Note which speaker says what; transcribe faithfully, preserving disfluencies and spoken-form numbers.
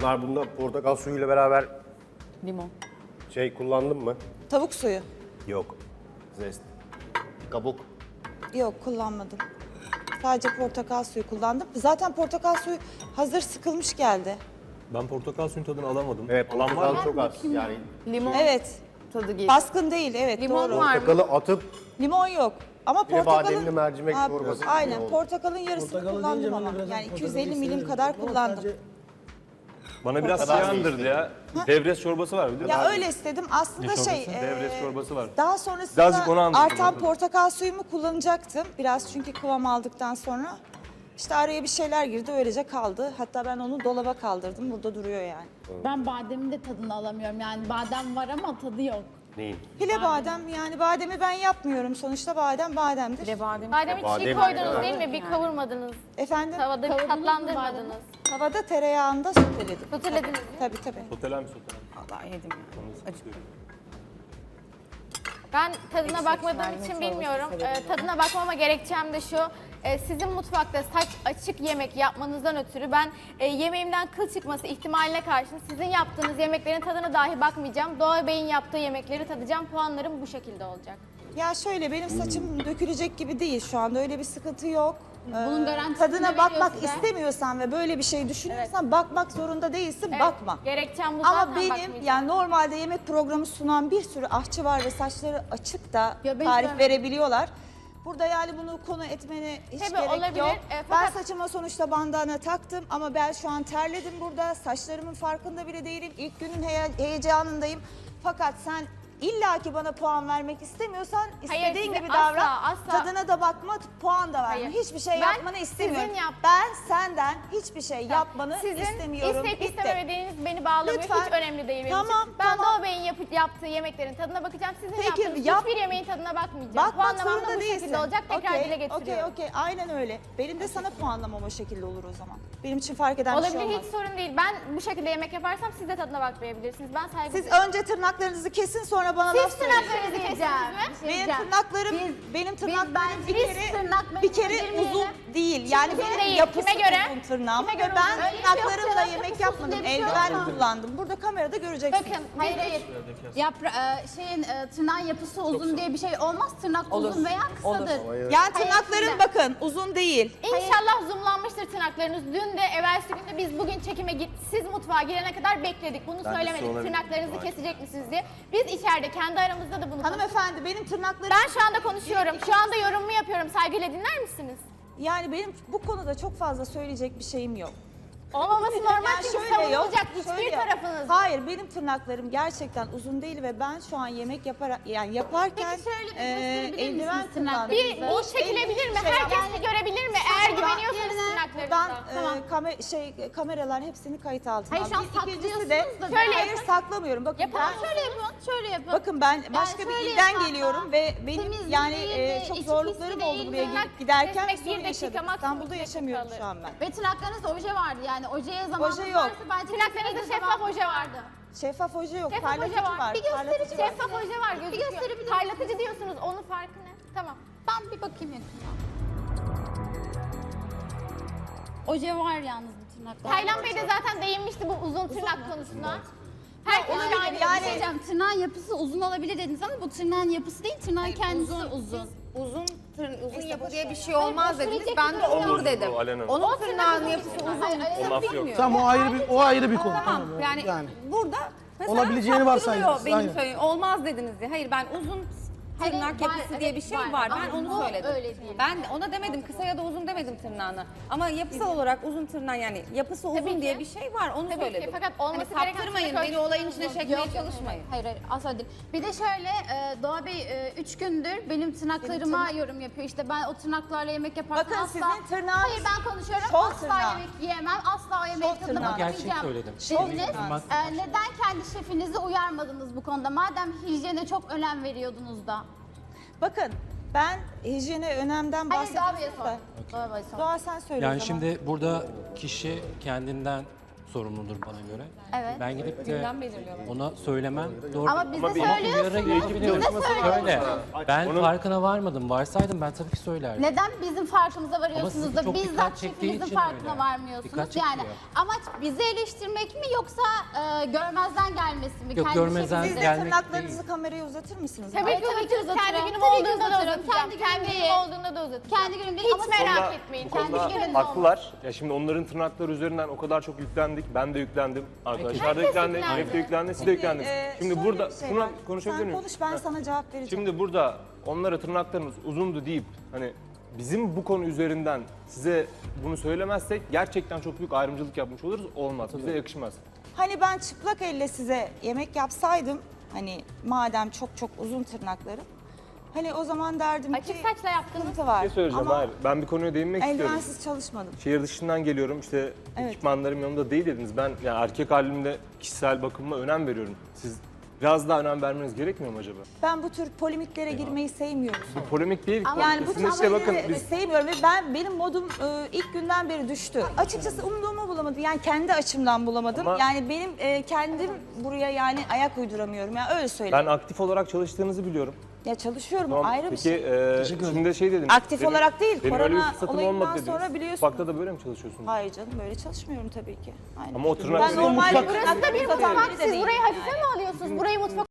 Speaker 1: Pınar bunda portakal suyuyla beraber
Speaker 2: Limon.
Speaker 1: şey kullandın mı?
Speaker 3: Tavuk suyu.
Speaker 1: Yok. Zest. Kabuk.
Speaker 3: Yok, kullanmadım. Sadece portakal suyu kullandım. Zaten portakal suyu hazır sıkılmış geldi.
Speaker 4: Ben portakal suyun tadını alamadım.
Speaker 1: Evet,
Speaker 4: Alan var
Speaker 1: portakal
Speaker 4: mı?
Speaker 1: çok az. Yani
Speaker 2: Limon
Speaker 3: Evet.
Speaker 2: tadı geliyor.
Speaker 3: Baskın değil, evet
Speaker 2: Limon
Speaker 3: doğru.
Speaker 2: var mı?
Speaker 1: portakalı atıp
Speaker 3: Limon yok. Ama
Speaker 1: Bir de
Speaker 3: portakalın...
Speaker 1: bademli mercimek
Speaker 3: Ha,
Speaker 1: çorbası
Speaker 3: Aynen,
Speaker 1: gibi oldu.
Speaker 3: portakalın yarısını
Speaker 5: Portakalı deyince
Speaker 3: kullandım
Speaker 5: ben de
Speaker 3: ama.
Speaker 5: biraz
Speaker 3: Yani
Speaker 5: portakalı
Speaker 3: iki yüz elli milim
Speaker 5: severim.
Speaker 3: kadar
Speaker 5: Ama
Speaker 3: kullandım.
Speaker 5: sadece
Speaker 4: Bana biraz
Speaker 1: Portakal
Speaker 4: şey andırdı ya. Devres çorbası var bir de.
Speaker 3: Ya öyle istedim. Aslında şey...
Speaker 4: Devres
Speaker 3: eee,
Speaker 4: çorbası var.
Speaker 3: Daha sonrasında
Speaker 4: Birazcık onu anlatın
Speaker 3: artan
Speaker 4: bakalım.
Speaker 3: portakal suyumu kullanacaktım. Biraz çünkü kıvam aldıktan sonra. İşte araya bir şeyler girdi, öylece kaldı. Hatta ben onu dolaba kaldırdım. Burada duruyor yani.
Speaker 6: Ben bademin de tadını alamıyorum. Yani badem var ama tadı yok.
Speaker 1: neyin?
Speaker 3: Pile badem, yani bademi ben yapmıyorum. Sonuçta badem bademdir.
Speaker 2: Bir de badem.
Speaker 7: Bademi çiğ
Speaker 1: Badem
Speaker 7: koydunuz
Speaker 1: yani.
Speaker 7: değil mi? Bir kavurmadınız.
Speaker 3: Efendim?
Speaker 7: Tavada bir
Speaker 6: Kavurdunuz mu
Speaker 7: tatlandırmadınız.
Speaker 3: Havada tereyağında soteledim.
Speaker 7: Sotelediniz mi?
Speaker 3: Tabii tabii.
Speaker 4: Soteler mi soteler mi?
Speaker 2: Vallahi yedim ya. Acıktım.
Speaker 7: Ben tadına
Speaker 2: Ekşi
Speaker 7: bakmadığım
Speaker 2: mercimek
Speaker 7: için
Speaker 2: çorbası
Speaker 7: bilmiyorum.
Speaker 2: severim
Speaker 7: Ee, tadına bakmama gerekçem de şu. Ee, sizin mutfakta saç açık yemek yapmanızdan ötürü ben e, yemeğimden kıl çıkması ihtimaline karşın sizin yaptığınız yemeklerin tadına dahi bakmayacağım. Doğa Bey'in yaptığı yemekleri tadacağım. Puanlarım bu şekilde olacak.
Speaker 3: Ya şöyle, benim saçım dökülecek gibi değil şu anda. Öyle bir sıkıntı yok.
Speaker 6: Bunun
Speaker 3: Ee,
Speaker 6: garantisini
Speaker 3: Tadına
Speaker 6: veriyor
Speaker 3: bakmak
Speaker 6: size.
Speaker 3: istemiyorsan ve böyle bir şey düşünüyorsan bakmak zorunda değilsin,
Speaker 7: Evet,
Speaker 3: bakma.
Speaker 7: Gerekçem bu
Speaker 3: Ama
Speaker 7: zaten
Speaker 3: benim
Speaker 7: bakmayacağım.
Speaker 3: yani normalde yemek programı sunan bir sürü aşçı var ve saçları açık da
Speaker 6: Ya ben
Speaker 3: tarif
Speaker 6: ben-
Speaker 3: verebiliyorlar. Burada yani bunu konu etmene hiç
Speaker 7: Tabii
Speaker 3: gerek
Speaker 7: olabilir.
Speaker 3: yok.
Speaker 7: E,
Speaker 3: Ben
Speaker 7: fakat-
Speaker 3: saçıma sonuçta bandana taktım ama ben şu an terledim burada. Saçlarımın farkında bile değilim. İlk günün heye- heyecanındayım. Fakat sen illaki bana puan vermek istemiyorsan istediğin
Speaker 7: size
Speaker 3: gibi
Speaker 7: asla,
Speaker 3: davran.
Speaker 7: asla-
Speaker 3: Tadına da bakma, puan da verme.
Speaker 7: Hayır.
Speaker 3: Hiçbir şey
Speaker 7: Ben
Speaker 3: yapmanı istemiyorum.
Speaker 7: sizin yap-
Speaker 3: Ben senden hiçbir şey yapmanı
Speaker 7: Sizin
Speaker 3: istemiyorum.
Speaker 7: isteyip
Speaker 3: Bitti.
Speaker 7: istememediğiniz beni bağlamıyor.
Speaker 3: Lütfen.
Speaker 7: Hiç önemli değil benim
Speaker 3: Tamam,
Speaker 7: için. Ben
Speaker 3: tamam.
Speaker 7: Doğa Bey'in yapı- yaptığı yemeklerin tadına bakacağım. Sizin
Speaker 3: Peki,
Speaker 7: yaptığınız
Speaker 3: yap-
Speaker 7: hiçbir yemeğin tadına bakmayacağım.
Speaker 3: Bakmak
Speaker 7: Puanlamam da
Speaker 3: zorunda
Speaker 7: bu
Speaker 3: değilsin.
Speaker 7: şekilde olacak. Tekrar
Speaker 3: Okey,
Speaker 7: dile getiriyorum.
Speaker 3: Okey, okey. Aynen öyle. Benim de sana puanlamam o şekilde olur o zaman. Benim için fark eden bir şey
Speaker 7: Olabilir,
Speaker 3: olmaz.
Speaker 7: hiç sorun değil. Ben bu şekilde yemek yaparsam siz de tadına bakmayabilirsiniz. Ben saygı
Speaker 3: Siz
Speaker 7: duyuyorum.
Speaker 3: önce tırnaklarınızı kesin, sonra bana laf
Speaker 7: Siz
Speaker 3: söyleyin.
Speaker 7: tırnaklarınızı kestiniz mi?
Speaker 3: Benim tırnaklarım, benim tırnaklarım bir
Speaker 6: biz
Speaker 3: kere,
Speaker 6: tırnak
Speaker 3: bir kere
Speaker 6: girmeyelim.
Speaker 3: uzun değil. Yani
Speaker 7: uzun
Speaker 3: benim
Speaker 7: değil.
Speaker 3: yapısı
Speaker 7: Kime göre?
Speaker 3: uzun tırnağım
Speaker 7: Kime
Speaker 3: ve
Speaker 7: göre
Speaker 3: ben
Speaker 7: uzun? Öyle bir
Speaker 6: şey yok
Speaker 3: tırnaklarımla
Speaker 6: canım.
Speaker 3: yemek
Speaker 6: Yapısı
Speaker 3: yapmadım.
Speaker 6: uzun diye bir şey
Speaker 3: Eldiven
Speaker 6: yok.
Speaker 3: kullandım. Burada kamerada göreceksiniz.
Speaker 7: Bakın,
Speaker 6: Hayır hayır. Yapra e, şeyin e, tırnağın yapısı uzun diye bir şey olmaz. Tırnak
Speaker 2: Olur.
Speaker 6: uzun veya kısadır.
Speaker 3: Yani tırnakların
Speaker 6: şimdi-
Speaker 3: bakın uzun değil.
Speaker 7: İnşallah zoomlanmıştır tırnaklarınız. Dün de evvelsi günde biz bugün çekime git, siz mutfağa girene kadar bekledik. Bunu söylemedik.
Speaker 4: olabilir.
Speaker 7: Tırnaklarınızı kesecek misiniz diye. Biz içeride kendi aramızda da bunu konuştuk.
Speaker 3: Hanımefendi, benim tırnaklarım...
Speaker 7: Ben şu anda konuşuyorum. Şu anda yorumumu yapıyorum. Saygıyla dinler misiniz?
Speaker 3: Yani benim bu konuda çok fazla söyleyecek bir şeyim yok.
Speaker 7: Olmaması normal
Speaker 3: Yani
Speaker 7: çünkü
Speaker 3: şöyle yok,
Speaker 7: savunulacak hiçbir
Speaker 3: şöyle yok.
Speaker 7: tarafınız.
Speaker 3: Hayır, benim tırnaklarım gerçekten uzun değil ve ben şu an yemek yapar yani yaparken
Speaker 6: Peki şöyle bir
Speaker 3: eee,
Speaker 6: gösterebilir
Speaker 3: eldiven
Speaker 6: misiniz
Speaker 3: kullandım.
Speaker 7: Bir, bir
Speaker 3: Boş
Speaker 7: çekilebilir mi?
Speaker 3: eldiven şey
Speaker 7: Herkes
Speaker 3: yapmam.
Speaker 7: bir görebilir mi? Eğer
Speaker 3: Ben-
Speaker 7: güveniyorsanız
Speaker 3: Ben
Speaker 7: tırnaklarınıza.
Speaker 3: e, kamer şey kameralar hepsini kayıt altına
Speaker 6: Hayır, şu an
Speaker 3: aldım. İkincisi de
Speaker 6: saklıyorsunuz da
Speaker 7: şöyle
Speaker 3: hayır
Speaker 7: yapın.
Speaker 3: saklamıyorum. Bakın
Speaker 7: Yapalım.
Speaker 3: ben
Speaker 6: Şöyle yapın, şöyle yapın.
Speaker 3: bakın ben başka bir
Speaker 6: şöyle
Speaker 3: ilden
Speaker 6: yapın
Speaker 3: geliyorum
Speaker 6: hatta.
Speaker 3: ve benim
Speaker 6: Temiz
Speaker 3: yani
Speaker 6: değil
Speaker 3: e,
Speaker 6: de,
Speaker 3: çok
Speaker 6: içi
Speaker 3: zorluklarım
Speaker 6: pis
Speaker 3: oldu
Speaker 6: değil,
Speaker 3: buraya
Speaker 7: tırnak
Speaker 3: gelip giderken
Speaker 7: kesmek
Speaker 3: sorun
Speaker 7: bir dakika,
Speaker 3: yaşadım.
Speaker 7: maksimum
Speaker 3: İstanbul'da
Speaker 7: iki
Speaker 3: yaşamıyorum
Speaker 7: dakika
Speaker 3: şu an ben.
Speaker 6: Ve tırnaklarınızda oje vardı yani. Ojeye zamanınız
Speaker 3: Oje yok.
Speaker 6: varsa bence
Speaker 7: Tırnaklarınızda
Speaker 6: kesinlikle
Speaker 7: şeffaf
Speaker 6: zamanınız
Speaker 7: oje vardı.
Speaker 3: Şeffaf hoca yok,
Speaker 7: Şeffaf
Speaker 3: parlatıcı
Speaker 7: hoca var.
Speaker 3: var.
Speaker 7: Bir gösterin.
Speaker 3: parlatıcı var.
Speaker 7: Şeffaf hoca var gözüküyor.
Speaker 6: gösterebilir misiniz?
Speaker 7: Parlatıcı diyorsunuz. Onun farkı ne? Tamam.
Speaker 6: Ben bir bakayım yakından. Oje var yalnız bu tırnaklarda.
Speaker 7: Taylan Bey de zaten değinmişti bu uzun tırnak konusuna. Herkes
Speaker 6: Yani,
Speaker 7: şahit.
Speaker 6: yani diyeceğim, tırnağın yapısı uzun olabilir dediniz ama bu tırnağın yapısı değil, tırnağın kendisi uzun.
Speaker 2: Uzun tır, uzun yapı diye bir şey olmaz dediniz. Ben de olur
Speaker 4: Olur,
Speaker 2: dedim.
Speaker 4: bu Alena.
Speaker 2: Onun tırnağının yapısı uzun.
Speaker 4: O laf yok.
Speaker 5: Tamam, o ayrı bir o ayrı bir konu.
Speaker 2: Tamam yani,
Speaker 5: Yani.
Speaker 2: burada mesela
Speaker 5: Olabileceğini
Speaker 2: saptırılıyor
Speaker 5: varsaydınız,
Speaker 2: benim
Speaker 5: aynen.
Speaker 2: söylediğim. Olmaz dediniz diye. Hayır ben uzun
Speaker 6: Hayır,
Speaker 2: tırnak
Speaker 6: var,
Speaker 2: yapısı diye bir
Speaker 6: evet,
Speaker 2: şey
Speaker 6: var.
Speaker 2: var. Ben
Speaker 6: Ama
Speaker 2: onu
Speaker 6: bu
Speaker 2: söyledim.
Speaker 6: öyle değil.
Speaker 2: Ben ona demedim kısa ya da uzun demedim tırnağını. Ama yapısal olarak uzun tırnak yani yapısı uzun
Speaker 7: Tabii ki.
Speaker 2: diye bir şey var onu
Speaker 7: Tabii ki,
Speaker 2: söyledim.
Speaker 7: fakat olması
Speaker 2: hani
Speaker 7: gereken
Speaker 2: saptırmayın
Speaker 7: tırnak
Speaker 2: beni olayın
Speaker 7: ölçüsü
Speaker 2: içine
Speaker 7: uzun.
Speaker 2: çekmeye
Speaker 6: Yok, yok,
Speaker 2: çalışmayın.
Speaker 6: Hayır hayır asla değil. Bir de şöyle e, Doğa Bey e, üç gündür benim tırnaklarıma yorum yapıyor. İşte ben o tırnaklarla yemek yaparsam
Speaker 3: Bakın
Speaker 6: asla...
Speaker 3: sizin tırnağınız
Speaker 6: Hayır ben konuşuyorum.
Speaker 3: şov
Speaker 6: asla
Speaker 3: tırnağı.
Speaker 6: yemek yiyemem. Asla o yemeğin tadına
Speaker 3: tırnağı.
Speaker 6: bakamayacağım.
Speaker 8: Gerçek söyledim.
Speaker 6: Dediniz.
Speaker 3: tırnağı.
Speaker 6: E, neden kendi şefinizi uyarmadınız bu konuda? Madem hijyene çok önem veriyordunuz da.
Speaker 3: Bakın ben hijyene önemden
Speaker 6: Hayır Doğa Bey'e
Speaker 3: bahsediyorum
Speaker 6: sor.
Speaker 3: da.
Speaker 6: Doğa Bey'e sor.
Speaker 3: Doğa sen söyle o
Speaker 8: Yani
Speaker 3: zaman.
Speaker 8: şimdi burada kişi kendinden sorumludur bana göre.
Speaker 6: Evet.
Speaker 8: Ben gidip de
Speaker 2: Gündem belirliyorlar.
Speaker 8: ona söylemem doğru.
Speaker 6: Ama biz de
Speaker 4: bir-
Speaker 6: söylüyorsunuz.
Speaker 8: Uyara
Speaker 6: Biz
Speaker 8: gidiyoruz.
Speaker 6: de söylüyoruz.
Speaker 8: Öyle. Ben
Speaker 4: Onun-
Speaker 8: farkına varmadım. Varsaydım ben tabii ki söylerdim.
Speaker 6: Neden bizim farkımıza varıyorsunuz
Speaker 8: sizi
Speaker 6: da
Speaker 8: çok
Speaker 6: bizzat
Speaker 8: dikkat çektiği
Speaker 6: şefimizin
Speaker 8: için
Speaker 6: farkına
Speaker 8: öyle.
Speaker 6: varmıyorsunuz?
Speaker 8: Dikkat
Speaker 6: Yani
Speaker 8: çekiyor.
Speaker 6: amaç bizi eleştirmek mi yoksa e, görmezden gelmesi mi?
Speaker 8: Yok,
Speaker 6: Kendi
Speaker 8: görmezden
Speaker 6: şefimizi-
Speaker 3: Siz de
Speaker 8: gelmek
Speaker 3: tırnaklarınızı kameraya uzatır mısınız?
Speaker 7: Tabii
Speaker 6: Ay,
Speaker 7: ki
Speaker 6: tabii ki
Speaker 7: uzatırım. Kendi
Speaker 6: uzatırım.
Speaker 7: günüm
Speaker 6: Tabii ki
Speaker 7: olduğunda da
Speaker 6: uzatırım.
Speaker 7: uzatacağım.
Speaker 6: Kendi
Speaker 7: Kendi
Speaker 6: günüm
Speaker 7: günüm
Speaker 6: değil.
Speaker 7: olduğunda da uzatacağım.
Speaker 6: Kendi günüm değil
Speaker 7: Hiç
Speaker 6: ama
Speaker 7: merak
Speaker 6: sonra-
Speaker 7: etmeyin.
Speaker 6: Kendi
Speaker 4: Konuda
Speaker 6: günüm
Speaker 4: haklılar. Ya şimdi onların tırnakları üzerinden o kadar çok yüklendik. Ben de yüklendim. Arkadaşlar da yüklendi.
Speaker 7: yüklendi.
Speaker 4: Şef de yüklendi. Siz de yüklendiniz.
Speaker 3: Ee,
Speaker 4: Şimdi
Speaker 3: şöyle
Speaker 4: burada
Speaker 3: bir şey
Speaker 4: buna
Speaker 3: var.
Speaker 4: konuşabilir
Speaker 3: Sen
Speaker 4: miyim?
Speaker 3: konuş, ben
Speaker 4: Heh.
Speaker 3: sana cevap vereceğim.
Speaker 4: Şimdi burada onlara tırnaklarınız uzundu deyip hani bizim bu konu üzerinden size bunu söylemezsek gerçekten çok büyük ayrımcılık yapmış oluruz. Olmaz. Bize yakışmaz.
Speaker 3: Hani ben çıplak elle size yemek yapsaydım, hani madem çok çok uzun tırnaklarım, hani o zaman derdim
Speaker 7: Açık
Speaker 3: ki
Speaker 7: saçla yaptınız.
Speaker 3: sıkıntı var.
Speaker 4: Bir şey söyleyeceğim.
Speaker 3: Ama
Speaker 4: Hayır. Ben bir konuya değinmek istiyorum.
Speaker 3: eldivensiz çalışmadım.
Speaker 4: Şehir dışından geliyorum. İşte
Speaker 3: Evet.
Speaker 4: ekipmanlarım yanımda değil dediniz. Ben yani erkek halimde kişisel bakımıma önem veriyorum. Siz biraz daha önem vermeniz gerekmiyor mu acaba?
Speaker 3: Ben bu tür polemiklere girmeyi sevmiyorum.
Speaker 4: Bu polemik değil.
Speaker 3: Yani bu
Speaker 4: Kesinlikle bakın
Speaker 3: tavırları
Speaker 4: biz
Speaker 3: sevmiyorum ve ben benim modum e, ilk günden beri düştü. Açıkçası umduğumu bulamadım. Yani kendi açımdan bulamadım.
Speaker 4: Ama-
Speaker 3: yani benim e, kendim buraya yani ayak uyduramıyorum. Yani öyle söyleyeyim.
Speaker 4: ben aktif olarak çalıştığınızı biliyorum.
Speaker 3: Ya çalışıyorum
Speaker 4: Tamam.
Speaker 3: ayrı bir
Speaker 4: Peki
Speaker 3: şey.
Speaker 4: e, şimdi şey dediniz.
Speaker 3: Aktif olarak değil,
Speaker 4: Benim öyle bir
Speaker 3: korona
Speaker 4: fırsatım
Speaker 3: olayından
Speaker 4: olmadı dediniz.
Speaker 3: sonra biliyorsun.
Speaker 4: Mutfakta da böyle mi çalışıyorsunuz?
Speaker 3: Hayır canım böyle çalışmıyorum tabii ki. Aynen.
Speaker 4: Ama o tırnak-
Speaker 3: Ben normalde
Speaker 4: Mutfak-
Speaker 3: burası da bir
Speaker 7: Mutfak,
Speaker 3: mutfak
Speaker 7: siz burayı hafife mi alıyorsunuz? Burayı mutfak